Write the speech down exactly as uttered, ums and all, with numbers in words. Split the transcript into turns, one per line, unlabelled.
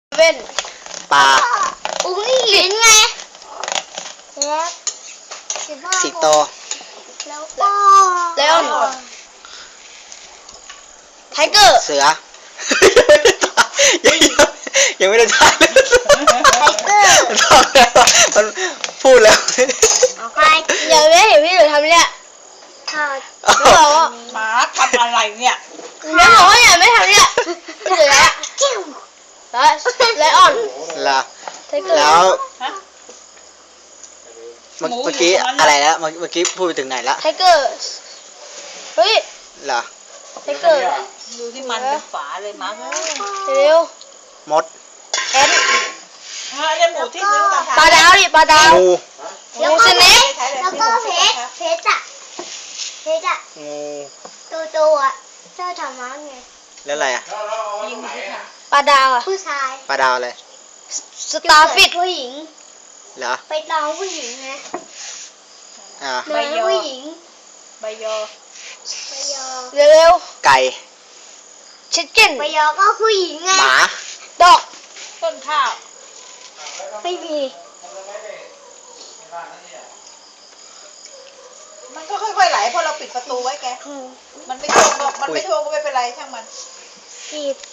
เว่น
ปลา
อุ้งลิ้นไงแล้ว
สิงโต
แล้วก็แล้วไทเกอร์
เสือ ยังยังไม่ได้ทายเลย
ไทเกอร์
มันบอกแล้วมันพูดแล้ว
เอาใครอย่าไม่เห็นพี่หนูทำเนี่ยไม่บอกว่า
หมาทำอะไรเนี่ย
ไม่บอกว่าอย่าไม่ทำเนี่ยเสือแล้วไลออน
ล่ะ
ไทเกอร์
แล้ว
ฮะ
เมื่อ
หมูอยู่
เมื่อกี้
ตรงนั้น
อะไรแล้วเมื่อเมื่อกี้พูดไปถึงไหนละ
ไทเกอร์เฮ้ย
ล่ะ
ไทเกอร์
ดูที่มันเป็นฝาเลยมั้งเออ
เร็ว
มด
แอน
เออเนี่ยหมูที่ซื้อมาทาน
ปลาดาวดิปลาดาว
งู
งูสเน็ก
แล้วก็เพชรเพชรอะเพชรอะ
งู
ตัวตัวอะเจ้าธรรมะไง
แล้วอะไรอ่ะ
ยิงหมูที่ทาน
ปลาดาวอะ
ผู้ชาย
ปลาดาวอะไร
สตาร์ฟิช
ผู้หญิง
เหรอ
ไปตองผู้หญิงไง
อ่า
เดินผู้หญิง
ใบยอ
ไปยอ
เร็ว
ไก่
ๆชิคเก้น
ไปยอก็ผู้หญิงไง
หมา
ดอก
ต้นข้าว
ไม่มี
มันก็ค่อยๆไหลเพราะเราปิดประตูไว้แก มันไม่ท่วมหรอกมันไม่ท่วมก็ไม่เป็นไรช่างมัน
กีบ